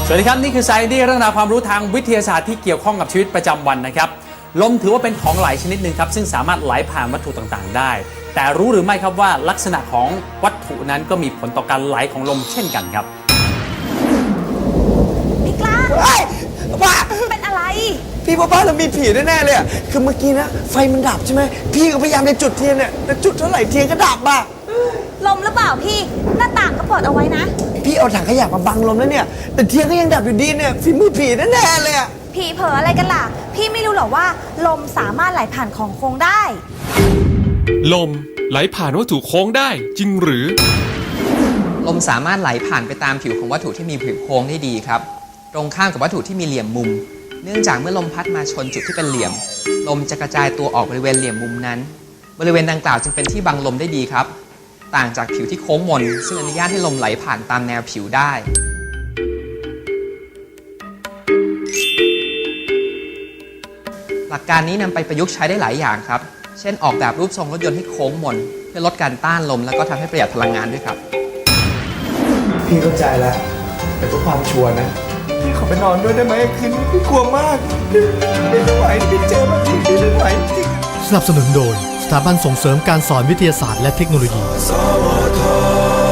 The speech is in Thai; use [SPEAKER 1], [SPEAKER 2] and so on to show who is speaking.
[SPEAKER 1] สวัสดีครับนี่คือ Science เรื่องราวความรู้ทางวิทยาศาสตร์ที่เกี่ยวข้องกับชีวิตประจำวันนะครับลมถือว่าเป็นของไหลชนิดหนึ่งครับซึ่งสามารถไหลผ่านวัตถุต่างๆได้แต่รู้หรือไม่ครับว่าลักษณะของวัตถุนั้นก็มีผลต่อการไหลของลมเช่นกันครับ
[SPEAKER 2] พี่กล้า
[SPEAKER 3] เฮ้ยบ้า
[SPEAKER 2] เป็นอะไร
[SPEAKER 3] พี่ว่าบ้านเรามีผีแน่ๆเลยอะคือเมื่อกี้นะไฟมันดับใช่ไหมพี่ก็พยายามจะจุดเทียนเนี่ยแต่จุดเท่าไหร่เทียนก็ดับอ่ะ
[SPEAKER 2] ลมหรือเปล่าพี่หน้าต่างก็เปิดเอาไว้นะ
[SPEAKER 3] พี่เอาถังขยะมาบังลมแล้วเนี่ยแต่เทียนก็ยังดับอยู่ดีเนี่ยฝีมือผีแน่ๆเลยอะ
[SPEAKER 2] ผีเผลออะไรกันล่ะพี่ไม่รู้หรอว่าลมสามารถไหลผ่านของโค้งได้
[SPEAKER 4] ลมไหลผ่านวัตถุโค้งได้จริงหรือ
[SPEAKER 5] ลมสามารถไหลผ่านไปตามผิวของวัตถุที่มีผิวโค้งได้ดีครับตรงข้ามกับวัตถุที่มีเหลี่ยมมุมเนื่องจากเมื่อลมพัดมาชนจุดที่เป็นเหลี่ยมลมจะกระจายตัวออกบริเวณเหลี่ยมมุมนั้นบริเวณดังกล่าวจึงเป็นที่บังลมได้ดีครับต่างจากผิวที่โค้งมนซึ่งอนุญาตให้ลมไหลผ่านตามแนวผิวได้หลักการนี้นำไปประยุกต์ใช้ได้หลายอย่างครับเช่นออกแบบรูปทรงรถยนต์ให้โค้งมนเพื่อลดการต้านลมแล้วก็ทำให้ประหยัดพลังงานด้วยครับ
[SPEAKER 3] พี่เข้าใจแล้วแต่เพื่อความชัวร์นะพี่ขอไปนอนด้วยได้ไหมคืนนี้พี่กลัวมากพี่ไม่ไหวพี่เจอแบบนี้พี่ไม่ไหวจริง
[SPEAKER 6] สนับสนุนโดยสถาบันส่งเสริมการสอนวิทยาศาสตร์และเทคโนโลยี